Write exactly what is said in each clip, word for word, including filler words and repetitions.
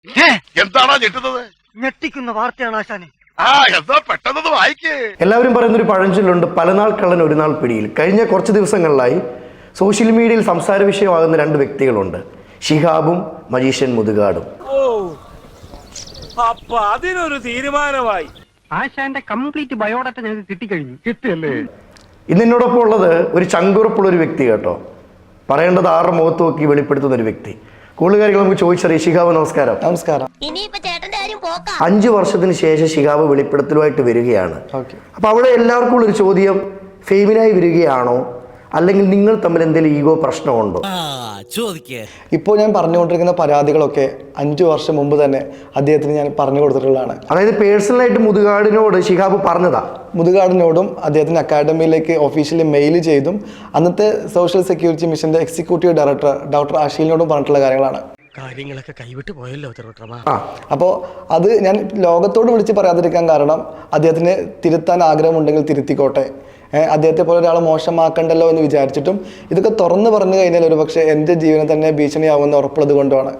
എന്താണോ ഞെട്ടുന്നത്? ഞെട്ടിക്കുന്ന വാർത്തയാണ് ആശാനെ. ആ എന്താ പെട്ടെന്ന് വായിക്കേ. എല്ലാവരും പറയുന്നൊരു പഴഞ്ചൊല്ലുണ്ട്, പലനാൾ കള്ളൻ ഒരു നാൾ പിടിയിൽ. കഴിഞ്ഞ കുറച്ച് ദിവസങ്ങളിലായി സോഷ്യൽ മീഡിയയിൽ സംസാര വിഷയമാകുന്ന രണ്ട് വ്യക്തികളുണ്ട്, ഷിഹാബും മജീഷ്യൻ മുതുകാടും. ഓ അപ്പൊ അതിനൊരു തീരുമാനമായി. ആശാന്റെ കംപ്ലീറ്റ് ബയോഡാറ്റ ഞങ്ങൾക്ക് കിട്ടിക്കഴിഞ്ഞു. കിട്ടിയല്ലേ? ഇന്ന് എന്നോടൊപ്പം ഉള്ളത് ഒരു ചങ്കുറപ്പുള്ള ഒരു വ്യക്തി കേട്ടോ. പറയേണ്ടത് ആറ് മുഖത്ത് നോക്കി വെളിപ്പെടുത്തുന്ന ഒരു വ്യക്തി. കൂടുതൽ കാര്യങ്ങൾ നമുക്ക് ചോദിച്ചറിയാം. ഷിഹാബ് നമസ്കാരം. നമസ്കാരം. അഞ്ചു വർഷത്തിന് ശേഷം ഷിഹാബ് വെളിപ്പെടുത്തലുമായിട്ട് വരികയാണ്. അപ്പൊ അവിടെ എല്ലാവർക്കും ഉള്ളൊരു ചോദ്യം, ഫെയിമിനായി വരികയാണോ അല്ലെങ്കിൽ നിങ്ങൾ തമ്മിൽ എന്തെങ്കിലും ഈഗോ പ്രശ്നമുണ്ടോ? ഇപ്പോൾ ഞാൻ പറഞ്ഞുകൊണ്ടിരിക്കുന്ന പരാതികളൊക്കെ അഞ്ചു വർഷം മുമ്പ് തന്നെ അദ്ദേഹത്തിന് ഞാൻ പറഞ്ഞു കൊടുത്തിട്ടുള്ളതാണ്. അതായത് പേഴ്സണലായിട്ട് മുതുകാടിനോട് ഷിഹാബ് പറഞ്ഞതാ? മുതുകാടിനോടും അദ്ദേഹത്തിന് അക്കാഡമിയിലേക്ക് ഒഫീഷ്യലി മെയിൽ ചെയ്തും അന്നത്തെ സോഷ്യൽ സെക്യൂരിറ്റി മിഷന്റെ എക്സിക്യൂട്ടീവ് ഡയറക്ടർ ഡോക്ടർ അഷീലിനോടും പറഞ്ഞിട്ടുള്ള കാര്യങ്ങളാണ്. കാര്യങ്ങളൊക്കെ കൈവിട്ട് പോയല്ലോ. അപ്പോൾ അത് ഞാൻ ലോകത്തോട് വിളിച്ച് പറയാതിരിക്കാൻ കാരണം അദ്ദേഹത്തിന് തിരുത്താൻ ആഗ്രഹമുണ്ടെങ്കിൽ തിരുത്തിക്കോട്ടെ, അദ്ദേഹത്തെ പോലെ ഒരാൾ മോശമാക്കണ്ടല്ലോ എന്ന് വിചാരിച്ചിട്ടും ഇതൊക്കെ തുറന്നു പറഞ്ഞു കഴിഞ്ഞാൽ ഒരു പക്ഷേ എൻ്റെ ജീവനെ തന്നെ ഭീഷണിയാവുമെന്ന് ഉറപ്പുള്ളത് കൊണ്ടാണ്.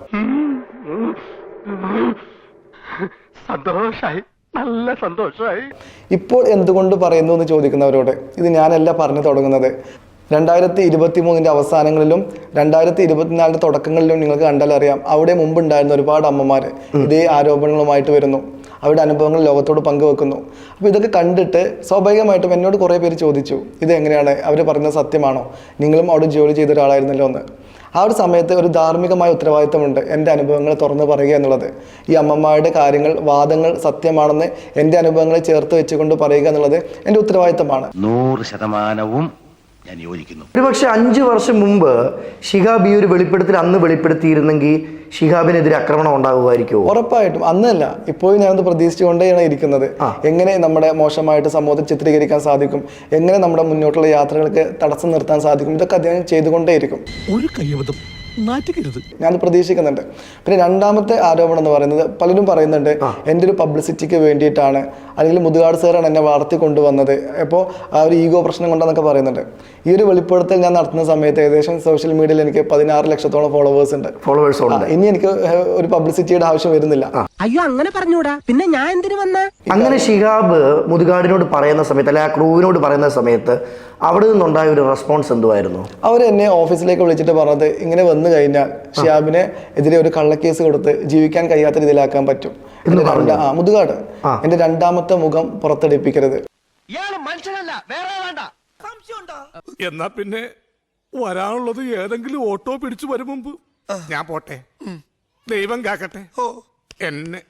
സന്തോഷായി, നല്ല സന്തോഷായി. ഇപ്പോൾ എന്തുകൊണ്ട് പറയുന്നു എന്ന് ചോദിക്കുന്നവരോട് ഇത് ഞാനല്ല പറഞ്ഞു തുടങ്ങുന്നത്. രണ്ടായിരത്തി ഇരുപത്തി മൂന്നിൻ്റെ അവസാനങ്ങളിലും രണ്ടായിരത്തി ഇരുപത്തിനാലിൻ്റെ തുടക്കങ്ങളിലും നിങ്ങൾക്ക് കണ്ടാലറിയാം, അവിടെ മുമ്പുണ്ടായിരുന്ന ഒരുപാട് അമ്മമാർ ഇതേ ആരോപണങ്ങളുമായിട്ട് വരുന്നു, അവരുടെ അനുഭവങ്ങൾ ലോകത്തോട് പങ്കുവെക്കുന്നു. അപ്പോൾ ഇതൊക്കെ കണ്ടിട്ട് സ്വാഭാവികമായിട്ടും എന്നോട് കുറേ പേര് ചോദിച്ചു, ഇത് എങ്ങനെയാണ്, അവർ പറയുന്നത് സത്യമാണോ, നിങ്ങളും അവിടെ ജോലി ചെയ്ത ഒരാളായിരുന്നല്ലോ എന്ന്. ആ ഒരു സമയത്ത് ഒരു ധാർമ്മികമായ ഉത്തരവാദിത്തമുണ്ട് എൻ്റെ അനുഭവങ്ങൾ തുറന്നു പറയുക എന്നുള്ളത്. ഈ അമ്മമാരുടെ കാര്യങ്ങൾ, വാദങ്ങൾ സത്യമാണെന്ന് എൻ്റെ അനുഭവങ്ങളെ ചേർത്ത് വെച്ചുകൊണ്ട് പറയുക എന്നുള്ളത് എൻ്റെ ഉത്തരവാദിത്തമാണ്. നൂറ് ശതമാനവും ഞാൻ യോജിക്കുന്നു. ഒരു പക്ഷെ അഞ്ചു വർഷം മുമ്പ് ഷിഹാബ് ഈ ഒരു വെളിപ്പെടുത്തൽ അന്ന് വെളിപ്പെടുത്തിയിരുന്നെങ്കിൽ ഷിഹാബിനെതിരെ ആക്രമണം ഉണ്ടാകുമായിരിക്കുമോ? ഉറപ്പായിട്ടും. അന്നല്ല, ഇപ്പോഴും ഞാനത് പ്രതീക്ഷിച്ചുകൊണ്ടേയാണ് ഇരിക്കുന്നത്. എങ്ങനെ നമ്മുടെ മോശമായിട്ട് സമൂഹത്തിൽ ചിത്രീകരിക്കാൻ സാധിക്കും, എങ്ങനെ നമ്മുടെ മുന്നോട്ടുള്ള യാത്രകൾക്ക് തടസ്സം നിർത്താൻ സാധിക്കും, ഇതൊക്കെ അദ്ദേഹം ചെയ്തുകൊണ്ടേയിരിക്കും. ഒരു കയ്യബദ്ധം നാറ്റിക്കരുത്, ഞാൻ പ്രതീക്ഷിക്കുന്നുണ്ട്. പിന്നെ രണ്ടാമത്തെ ആരോപണം എന്ന് പറയുന്നത്, പലരും പറയുന്നുണ്ട് എൻ്റെ ഒരു പബ്ലിസിറ്റിക്ക് വേണ്ടിയിട്ടാണ്, അല്ലെങ്കിൽ മുതുകാട് സാറാണ് എന്നെ വളർത്തി കൊണ്ടുവന്നത്, അപ്പോൾ ആ ഒരു ഈഗോ പ്രശ്നം കൊണ്ടാന്നൊക്കെ പറയുന്നുണ്ട്. ഈ ഒരു വെളിപ്പെടുത്തൽ ഞാൻ നടത്തുന്ന സമയത്ത് ഏകദേശം സോഷ്യൽ മീഡിയയിൽ എനിക്ക് പതിനാറ് ലക്ഷത്തോളം ഫോളോവേഴ്സ് ഉണ്ട്. ഫോളോവേഴ്സ് ഉണ്ട്. ഇനി എനിക്ക് ഒരു പബ്ലിസിറ്റിയുടെ ആവശ്യം വരുന്നില്ല. അയ്യോ, അങ്ങനെ പറഞ്ഞൂടാ, പിന്നെ ഞാൻ എന്തിനു വന്ന? അങ്ങനെ ഷിഹാബ് മുതുകാടിനോട് പറയുന്ന സമയത്ത്, അല്ലെ ആ ക്രൂവിനോട് പറയുന്ന സമയത്ത് അവിടെ നിന്നുണ്ടായ ഒരു റെസ്പോൺസ് എന്തുവായിരുന്നു? അവർ എന്നെ ഓഫീസിലേക്ക് വിളിച്ചിട്ട് പറഞ്ഞത്, ഇങ്ങനെ വന്നു കഴിഞ്ഞാൽ ഷിഹാബിനെ എതിരെ ഒരു കള്ളക്കേസ് കൊടുത്ത് ജീവിക്കാൻ കഴിയാത്ത രീതിയിലാക്കാൻ പറ്റും. ആ മുതുകാട് എന്റെ രണ്ടാമത്തെ മുഖം പുറത്തെടുപ്പിക്കരുത്. എന്നാ പിന്നെ വരാനുള്ളത് ഏതെങ്കിലും ഓട്ടോ പിടിച്ചു വരും മുമ്പ് ഞാൻ പോട്ടെ. ദൈവം കാക്കട്ടെ എന്നെ.